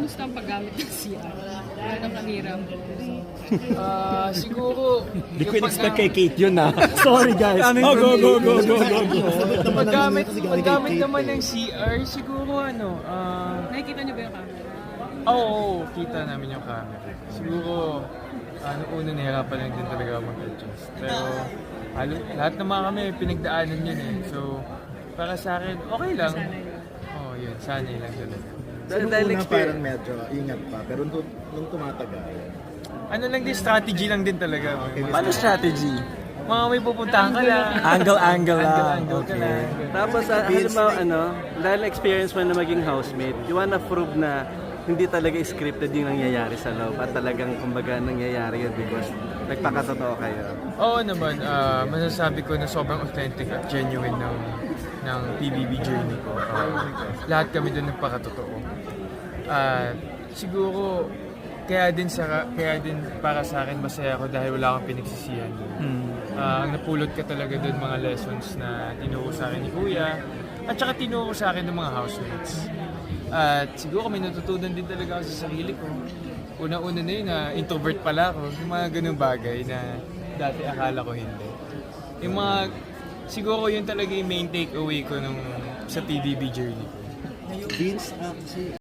Kamusta ang paggamit ng CR? Ano kahirap? Siguro, Hindi ko in-expect kay Kate yun ah. Sorry guys. Go. paggamit naman ng CR, siguro Nakikita niyo ba yung camera? oo, kita namin yung camera. Siguro, una nahirapan lang din talaga mag-adjust. Pero, lahat naman kami, pinagdaanan yun eh. So, para sa akin, okay lang. Oo, yun, sanay lang talaga. Dahil parang medyo ingat pa, pero nung tumatagal. Ano lang din, strategy lang din talaga. Paano strategy? Mga may pupuntahan ka lang. Angle lang. Angle ka lang. Tapos, halimbawa, dahil experience mo na maging housemate, you wanna prove na hindi talaga scripted yung nangyayari sa loob at talagang kumbaga nangyayari yun because nagpakatotoo kayo. Oo naman, masasabi ko na sobrang authentic at genuine ng PBB journey ko. Lahat kami doon nagpakatotoo. Siguro, kaya din para sa akin masaya ako dahil wala akong pinagsisihan doon. Ang napulot ka talaga doon mga lessons na tinuro sa akin ni Kuya at saka tinuro sa akin ng mga housemates. At siguro may natutunan din talaga ako sa sarili ko. Una-una na yun na introvert pala ako. Yung mga ganung bagay na dati akala ko hindi. Yung mga, siguro yun talaga yung main takeaway ko sa PBB journey ko. Vince, kasi